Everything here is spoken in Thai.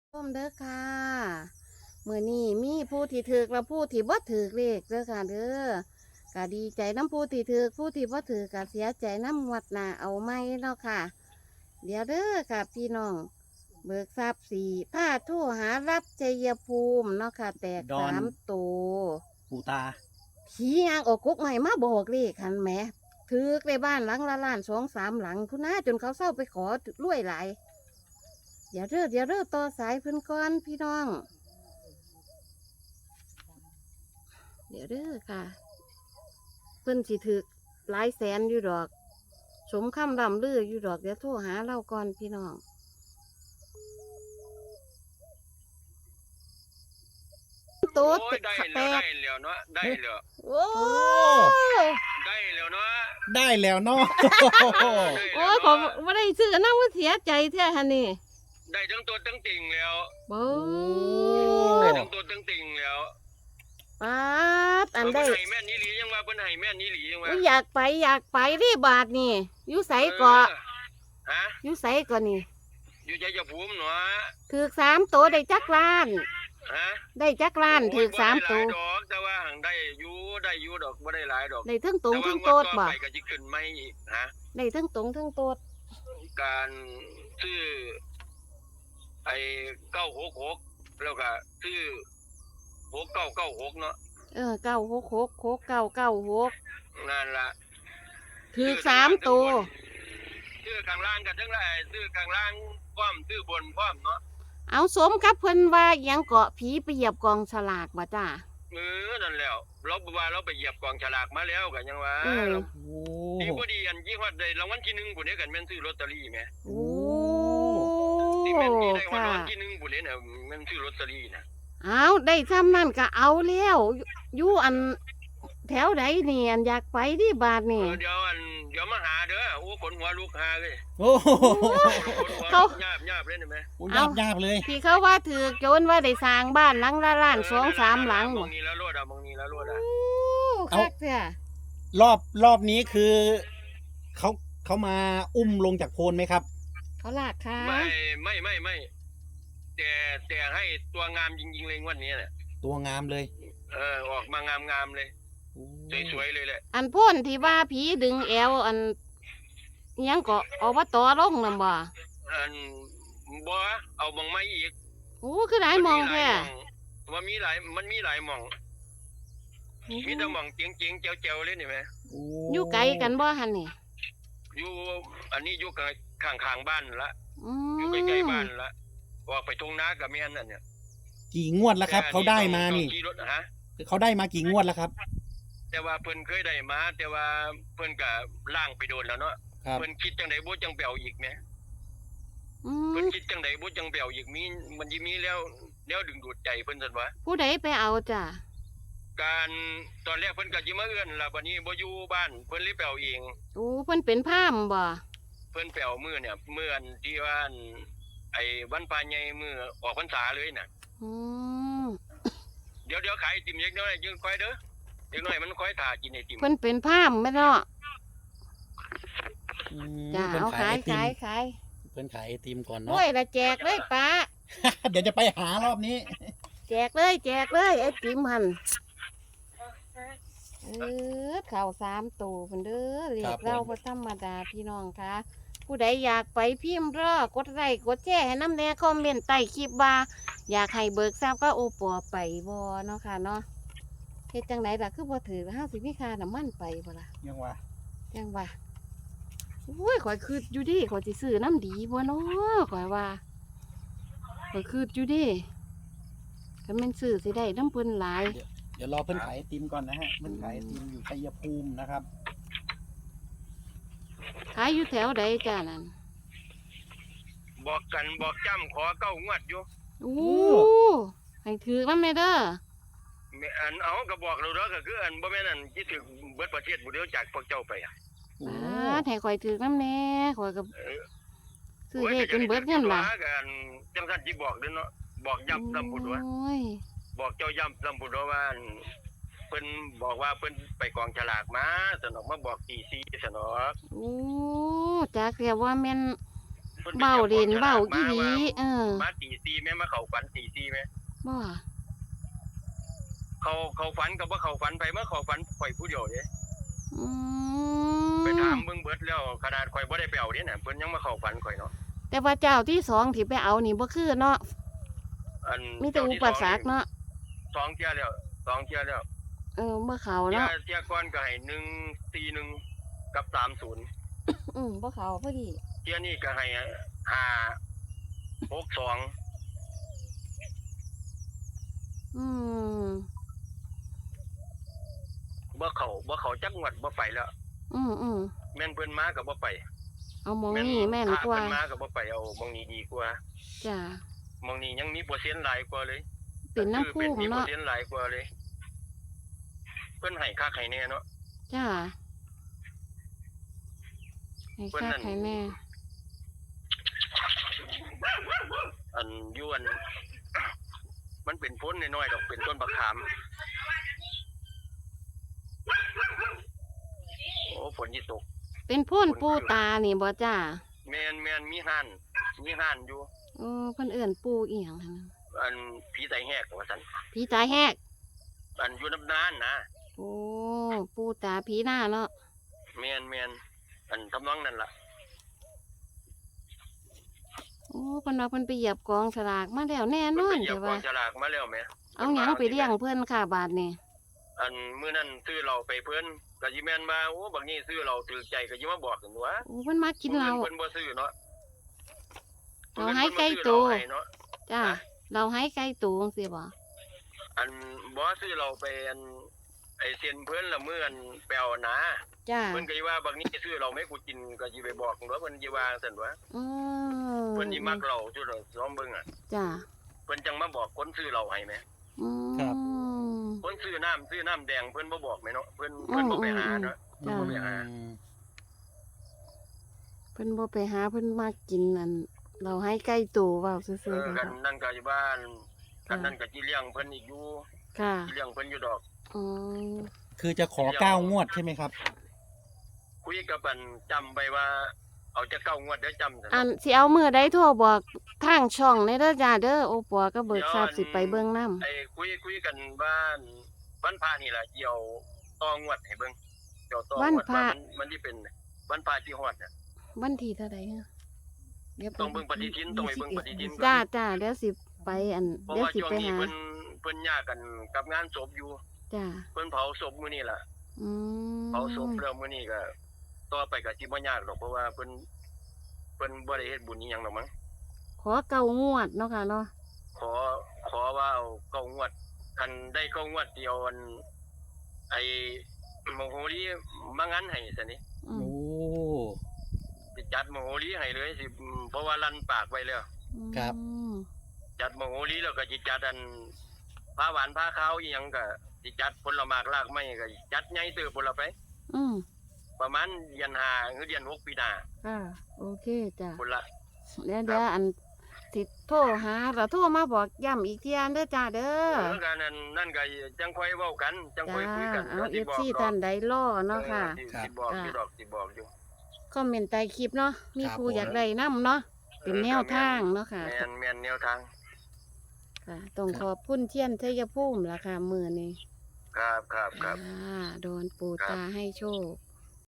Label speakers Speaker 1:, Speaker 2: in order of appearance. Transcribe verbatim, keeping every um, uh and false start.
Speaker 1: ส้มเด้อค่ะมื้อนี้มีผู้ที่ถือและผู้ที่บ่ถือเลขเด้อค่ะเด้อก็ดีใจน้ำผู้ที่ถือผู้ที่บ่ถือก็เสียใจน้ำวัดหน้าเอาไม่เนาะค่ะ เดี๋ยวเด้อค่ะพี่น้องเบิกทรัพย์สี่ผ้าโทรหารับชัยภูมิเนาะค่ะแตก
Speaker 2: ดอน
Speaker 1: สามตัว
Speaker 2: ปูตา
Speaker 1: ผียางออกกุกใหม่มาบอกเลขคันแหมถือในบ้านหลังละล้านสองสามหลังคุณน้าจนเขาเศร้าไปขอรวยหลาย เดี๋ยวเด้อเดี๋ยวเด้อต่อสายเพิ่นก่อนพี่น้อง เดี๋ยวเด้อค่ะเพิ่นสิถึกหลายแสนอยู่ดอก สมคำลำลืออยู่ดอกเดี๋ยวโทรหาเราก่อนพี่น้องโต๊ด
Speaker 3: โอ้ยได้
Speaker 1: แต
Speaker 3: แล้ว
Speaker 1: ก
Speaker 3: ได้แล้วเนาะได้แล้ว
Speaker 1: โอ้
Speaker 2: โอ้
Speaker 3: ได้แล้วเนาะ
Speaker 2: ได้แล้วเนาะ
Speaker 1: โอ้ยผมไม่ได้ซื้อนะว่าเสียใจแท้ฮะนี่
Speaker 3: ได้ทั้งตัวทั้งติ่งแล้ว
Speaker 1: โอ้
Speaker 3: ได้ทั้งตัวทั้งติ่งแล้ว
Speaker 1: ป๊าดอัน
Speaker 3: เพิ่
Speaker 1: ได้
Speaker 3: นให้แม่นนี่หลียังว่าเพิ่นให้แม่นนี่หลียังว่า
Speaker 1: อุ๊ยอยากไปอยากไปรีบาทนี่อยู่ใสเกาะ
Speaker 3: ฮะ
Speaker 1: อยู่ใสเกาะนี่
Speaker 3: อยู่ใจจะภูมิเนาะ
Speaker 1: ถือสามตัวได้จักล้าน
Speaker 3: ฮะ
Speaker 1: ได้จักล้านถือสามตัว
Speaker 3: โอ้ยบ่ได้หลายดอกแต่ว่าหังได้อยู่ได้อยู่ดอกบ่ได้หลายดอก
Speaker 1: ได้ทั้งตรง
Speaker 3: แต่
Speaker 1: ทั้
Speaker 3: ว่าง ง
Speaker 1: โต
Speaker 3: วด
Speaker 1: ด
Speaker 3: ต่อ
Speaker 1: บ่
Speaker 3: ไปก็สิขึ้นใหม่อีกฮะ
Speaker 1: ได้ทั้งตรงทั้งโตด
Speaker 3: การซื้อไอ้เก้าหกหกแล้วก็ซื้อหกเก้าเก้าหกเนาะ
Speaker 1: เออเก้าหกหกหกเก้าเก้าหก
Speaker 3: นั่นล่ะ
Speaker 1: ถือสามตัว
Speaker 3: ซื้อข้างล่างกันทั้งหลายซื้อข้างล่างพร้อมซื้อบนพร้อมเนาะ
Speaker 1: เอาสมกับเพิ่นว่าอิหยังเกาะผีไปเหยียบกองฉลากบ่จ้า
Speaker 3: เออนั่นแล้วเราบอกว่าเราไปเหยียบกองฉลากมาแล้วกันยังว่า
Speaker 1: เออ
Speaker 2: โอ้
Speaker 3: ดีบ่ดีอันยี่ห้อใดรางวัลที่หนึ่งบุญเนี่ยกันแม่นซื้อลอตเตอรี่แหม
Speaker 1: โอ้
Speaker 3: ที่แม่นที่ได้วัน
Speaker 1: ค่ะ
Speaker 3: รางวัลที่หนึ่งบุญเนี่ยน่ะแม่นซื้อลอตเตอรี่นะ
Speaker 1: เอาได้ซ้ำนั่นก็เอาแล้วอยู่อยู่อันแถวใดนี่อันอยากไปที่บาท
Speaker 3: เอ
Speaker 1: นี่
Speaker 3: อเดี๋ยวอันเดี๋ยวมาหาเด้อโอ้ขนหัวลุกหาเลย
Speaker 2: โอ้โห
Speaker 3: ขนหัว
Speaker 1: เขา
Speaker 3: หยาบหยาบเลยเห็นไหม
Speaker 2: ยาบยาบเลย
Speaker 1: ที่เขาว่าถือโจรว่าได้สร้างบ้านหลังละล้านสองสามหลัง
Speaker 3: ม
Speaker 1: บ่
Speaker 3: องนี้แล้วรวดอ่ะมองนี้แล้วรวดอ่ะ
Speaker 1: โอ้คักเสีย
Speaker 2: รอบรอบนี้คือเขาเขามาอุ้มลงจากโพนไหมครับ
Speaker 1: เขาลากขา
Speaker 3: ไม่ไม่ไม่ไม่แต่แต่ให้ตัวงามจริงๆเลยงวันนี้น่ะ
Speaker 2: ตัวงามเลย
Speaker 3: เออออกมางามๆเลย
Speaker 2: โอ้
Speaker 3: สวยๆเลยแหละ
Speaker 1: อันพ่นที่ว่าผีดึงแอวอันอิหยังก็อบตลงนำบ่
Speaker 3: อันบ่เอามองไม้อีก
Speaker 1: โอ้คือหลายมองแท้
Speaker 3: มันมีหลายมันมีหลายหมอง มีแต่หมองเจียงเจียงเจียวเจียวเลยนี่ไหม
Speaker 2: โอ้
Speaker 1: อยู่ไกลกันบ่หั่นนี่
Speaker 3: อยู่อันนี้อยู่ข้างข้างๆบ้านละ
Speaker 1: อื
Speaker 3: อยู่
Speaker 1: ม
Speaker 3: ใกล้ๆบ้านละออกไปตรงนากับแม่นนั่นเนี่ย
Speaker 2: กี่งวดแล้วครับ เขาได้มา
Speaker 3: ต้อง
Speaker 2: นี่
Speaker 3: ขี่รถฮะ
Speaker 2: เขาได้มากี่งวดแล้วครับ
Speaker 3: แต่ว่าเพิ่นเคยได้มา แต่ว่าเพิ่นก็ล่างไปโดนแล้วเนาะ
Speaker 2: ครับ
Speaker 3: เพิ่นคิดจังไดบ่จังไปเอาอีกแหม
Speaker 1: อื
Speaker 3: เพิ่น
Speaker 1: ม
Speaker 3: คิดจังไดบ่จังไปเอาอีกมีมันสิมีแล้วแล้วดึงดูดใจเพิ่นซั่นวะ
Speaker 1: ผู้ใดไปเอาจ้ะ
Speaker 3: การตอนแรกเพิ่นก็สิมาเอื้อนล่ะบัดนี้บ่อยู่บ้านเพิ่นเลยไปเอาเอง
Speaker 1: โอ้เพิ่นเป็นพราหมณ์บ่
Speaker 3: เพิ่นไปเอามื้อเนี่ยมื้ออันที่ว่าอันไอ้วันพระใหญ่มื้อออกพรรษาเลยน่ะ
Speaker 1: อืม
Speaker 3: เดี๋ยวเดี๋ยวขายไอติมเล็กน้อยยังค่อยเด้อเล็กน้อยมันค่อยถ่ากินไอติม
Speaker 1: เพิ่นเป็นพราหมณ์แม่นเนาะ
Speaker 2: อืม
Speaker 1: จ้ะ
Speaker 2: เพิ่น
Speaker 1: เอา
Speaker 2: ขา
Speaker 1: ขาย ย
Speaker 2: ไอติม
Speaker 1: ขายขาย
Speaker 2: เพิ่นขายไอติมก่อน
Speaker 1: โอ้
Speaker 2: เนาะ
Speaker 1: ยละแจกเลยป้า
Speaker 2: เดี๋ยวจะไปหารอบนี้
Speaker 1: แจกเลยแจกเลยไอ้ติมหันเออข่าวสามตัวเพิ่นเด้อเรีย
Speaker 2: ครั
Speaker 1: ก
Speaker 2: บผม
Speaker 1: เราบ่ธรรมดาพี่น้องคะผู้ใดอยากไปพิมพ์รอกดไลค์กดแชร์ให้น้ำแน่คอมเมนต์ใต้คลิปว่า อยากให้เบิกทราบก็โอปัวไปบ่เนาะค่ะเนาะเฮ็ดจังไดล่ะคือบ่ถือห้าสิบมีค่าน้ำมันไปบ่ล่ะ
Speaker 2: ยังว่า
Speaker 1: จังว่าโอ้ยข่อยคืดอยู่ดิข่อยสิซื้อน้ำดีบ่เนาะข่อยว่าข่อยคืดอยู่ดิคันแม่นซื้อสิได้น้ำเพิ่นหลาย
Speaker 2: เดี๋ยวรอเพิ่นขายไอติมก่อนนะฮะเพิ่นขายไอติมอยู่ชัยภูมินะครับ
Speaker 1: ขายอยู่แถวใดจ้านั่น
Speaker 3: บอกกันบอกจ้ำขอเก้างวดอยู่
Speaker 1: โอ้ให้ถือมันแม่เด้อ
Speaker 3: แม่อันเอาก็บอกเราเด้อก็คืออันบ่แม่นอันที่ถึงเบิดประเทศบ่เดียวจากพวกเจ้าไปอ่ะ
Speaker 2: โอ้
Speaker 1: ป้าดให้ข่อยถือน้ำแน่ข่อยก็
Speaker 3: เออ
Speaker 1: ซื้อเลขจนเบิดเงินล่ะ
Speaker 3: โอ้ยก็อันจังซั่นสิบอกเด้อเนาะบอกย้ำซ้ำพุ่นว่า
Speaker 1: โอ้ย
Speaker 3: บอกเจ้าย้ำซ้ำพุ่นว่าอันเพิ่นบอกว่าเพิ่นไปกองฉลากมาสนอกมาบอกตีซีสนอก
Speaker 1: โอ้จักเรียกว่าแม่น
Speaker 3: พิ่นไป
Speaker 1: เบ้า
Speaker 3: จับ
Speaker 1: เด่น
Speaker 3: ของ
Speaker 1: เบ้า
Speaker 3: ฉลก
Speaker 1: อีหลี
Speaker 3: ว่า
Speaker 1: เออ
Speaker 3: มาตีซีแม่มาเข้าฝันตีซีแม่
Speaker 1: บ่
Speaker 3: เขาเขาฝันกับว่าเขาฝันไปเมื่อเขาฝันข่อยผู้เดียวเด้
Speaker 1: อื
Speaker 3: ไปถาม
Speaker 1: ม
Speaker 3: เบิ่งเบิดแล้วขนาดข่อยบ่ได้ไปเอาเด้น่ะเพิ่นยังมาเข้าฝันข่อยเนาะ
Speaker 1: แต่ว่าเจ้าที่สองที่ไปเอานี่บ่คือเนาะ
Speaker 3: อัน
Speaker 1: มีแต่อุปสรรคเนาะ
Speaker 3: สองเที่ยแล้วสองเที่ยแล้ว
Speaker 1: เออบ่เข้า
Speaker 3: เที่ย
Speaker 1: เนาะ
Speaker 3: เที่ยก่อนก็ให้หนึ่งสี่หนึ่งกับสามศูนย์
Speaker 1: อืมบ่เข้าพอดี
Speaker 3: เที่ยนี้ก็ให้ห้าหกสอง
Speaker 1: อืม
Speaker 3: บ่เข้าบ่เข้าจักงวดบ่ไปแล้ว
Speaker 1: อืมอืม
Speaker 3: แม่นเพิ่นมาก็บ่ไป
Speaker 1: เอาหมองนี่แม่น
Speaker 3: ถ้าก
Speaker 1: ว่า
Speaker 3: เพิ่นมาก็บ่ไปเอาหมองนี้ดีกว่า
Speaker 1: จ้ะ
Speaker 3: หมองนี้ยังมีเปอร์เซ็นต์หลายกว่าเลย
Speaker 1: เป็นน้ำ
Speaker 3: คือ
Speaker 1: พุ่
Speaker 3: เป็น
Speaker 1: ม
Speaker 3: มีเปอ
Speaker 1: เนาะ
Speaker 3: ร์เซ็นต์หลายกว่าเลย เพิ่นให้คักให้แน่เนาะ
Speaker 1: จ้ะให้
Speaker 3: เพิ่น
Speaker 1: คัก
Speaker 3: นั่น
Speaker 1: ให้แน่
Speaker 3: อันอยวน มันเป็นพ้นน้อยๆดอกเป็นต้นบักขามโอ้ฝนที่ตก
Speaker 1: เป็นพ่นปูตานี่บ่จ้า
Speaker 3: แมนแมนมีห่านมีห่านอยู่
Speaker 1: เออเพิ่นเอิ้นปูอีหยังหั่นน่ะ
Speaker 3: อันผีไตแหกว่าซั่น
Speaker 1: ผีตาแหก
Speaker 3: อันอยู่น้ำนานนะ
Speaker 1: โอ้ปูตาผีหน้าเนาะ
Speaker 3: แมนแมนอันทำนองนั่นล่ะ
Speaker 1: โอ้เพิ่นว่าเพิ่นไปเหยียบกองสลากมาแล้วแน่น
Speaker 3: เพิ่
Speaker 1: อน
Speaker 3: ไปเหยีย
Speaker 1: แต่
Speaker 3: บกอ
Speaker 1: ว่า
Speaker 3: งฉลากมาแล้วแหม
Speaker 1: เอาหยังไปเลี้ยงเพิ่นค่ะบาทนี่
Speaker 3: อันมื้อนั้นซื้อเราไปเพิ่นก็สิแม่นมาโอ้บักนี้ซื้อเราถูกใจก็สิมาบอกกันว่า
Speaker 1: โอ้เพิ่นมากินเหล้า
Speaker 3: เพิ่นบ่ซื้อเนาะ
Speaker 1: เราให้ไก่ตัว
Speaker 3: เพิ่นบ่ซื้อเราให้เนาะ
Speaker 1: จ้าเราให้ไก่ตูจังซี่บ่
Speaker 3: อันบ่ซื้อเราไปอันไอเซียนเพิ่นละมื้ออันแปลวนะ
Speaker 1: จ้า
Speaker 3: เพิ่นก็สิว่าบักนี้ซื้อเราไม่กูกินก็สิไปบอกว่าเพิ่นสิว่าซั่นว่า
Speaker 1: อือ
Speaker 3: เพิ่นสิมักเราจุดเราซ้อมเบิ่งอ่ะ
Speaker 1: จ้า
Speaker 3: เพิ่นจังมาบอกคนซื้อเราให้แหม
Speaker 1: อืม
Speaker 3: คนซื้อน้ำซื้อน้ำแดงเพิ่นบ่บอกแหมเนาะเพิ่นเพิ่นบ่ไปหาเนาะ
Speaker 1: จ้า
Speaker 3: บ่ไปหา
Speaker 1: เพิ่นบ่ไปหาเพิ่นมากินนั่นเราให้ไก่ตูเว้าซื่
Speaker 3: เอ
Speaker 1: อ
Speaker 3: อ
Speaker 1: ๆ
Speaker 3: กั
Speaker 1: ค่ะ
Speaker 3: นนั่นก็อยู่บ้านกันนั่นก็สิเลี้ยงเพิ่นอีกอยู่
Speaker 1: ค่ะ
Speaker 3: สิเลี้ยงเพิ่นอยู่ดอก
Speaker 1: อ๋อ
Speaker 2: คือจะขอเก้างวดใช่ไหมครับ
Speaker 3: คุยกับอันจำไปว่า เอาจะเก้างวดเด้อจำซั่น
Speaker 1: อันสิเอามื้อใดโทรบอกทางช่องในเด้อจ้าเด้อโอปัวก็เบิกทราบสิไปเบิ่งนำ
Speaker 3: ไอ้คุยคุยกันว่าวันพระนี่ล่ะเกี่ยวต่องวดให้เบิ่งเกี่ยวต่องวดว่ามันมันสิเป็นวันพระที่ฮอดน่ะ
Speaker 1: วันที่เท่าใดฮะดี๋ยวไป
Speaker 3: ต้องเบิ่งปฏิทินต้องไปเบิ่งปฏิทินก่อน
Speaker 1: จ้าจ้าเดี๋ยวสิไปอัน
Speaker 3: เพราะ
Speaker 1: เดี๋ยว
Speaker 3: ว่า
Speaker 1: สิ
Speaker 3: ช่วง
Speaker 1: ไป
Speaker 3: นี้
Speaker 1: หา
Speaker 3: เพิ่นเพิ่นยากกันกับงานศพอยู่
Speaker 1: จ้า
Speaker 3: เพิ่นเผาศพมื้อนี้ล่ะ
Speaker 1: อืม
Speaker 3: เผาศพแล้วมื้อนี้ก็ต่อไปก็สิบ่ยากดอกเพราะว่าเพิ่นเพิ่นบ่ได้เฮ็ดบุญอีหยังดอกมั้ง
Speaker 1: ขอเก่างวดเนาะค่ะเนาะ
Speaker 3: ขอขอว่าเอาเก้างวดคันได้เก้างวดเดียวอันไอ้โมโหรีมางั้นให้ซะนี่
Speaker 1: อืม
Speaker 2: โอ้
Speaker 3: สิจัดโมโหรีให้เลยสิเพราะว่าลั่นปากไว้แล้ว
Speaker 2: ครับ
Speaker 1: อืม
Speaker 3: จัดโมโหรีแล้วก็สิจัดอันผ้าหวานผ้าขาวอีหยังก็สิจัดผลหมากรากไม้ก็จัดใหญ่เติบพุ่นละไป
Speaker 1: อืม
Speaker 3: ประมาณเดือนห้าหรือเดือนหกปีหน้า
Speaker 1: ค่ะโอเคจ้า
Speaker 3: พุ่นละ
Speaker 1: เดี๋ยวเดี๋ยวอันสิโทรหาเราโทรมาบอกย้ำอีกเที่ยเด้อจ้าเด้อ
Speaker 3: เออกันนั่นนั่นก็จังค่อยเว้ากันจังค่อย
Speaker 1: จ้า
Speaker 3: คุยกัน
Speaker 1: เอาเอ
Speaker 3: ดี๋ยว
Speaker 1: ฟ
Speaker 3: สิ
Speaker 1: ซี
Speaker 3: บอกดอก
Speaker 1: ท่านใดล่อเนาะค่ะ
Speaker 3: เออสิสิบอกอยู่ดอกสิบอกอยู่
Speaker 1: คอมเมนต์ใต้คลิปเนาะมี
Speaker 2: ครับ
Speaker 1: ผู้
Speaker 2: ผม
Speaker 1: อยากได้นํเนาะเป็นแนวทางเนาะค่ะ
Speaker 3: แม่นแม่นแนวทาง
Speaker 1: ค่ะต้องขอบคุณเทียนชัยภูมิล่ะค่ะมือนี้
Speaker 3: ครับครับครับ
Speaker 1: อ่าโดนปูตาให้โชค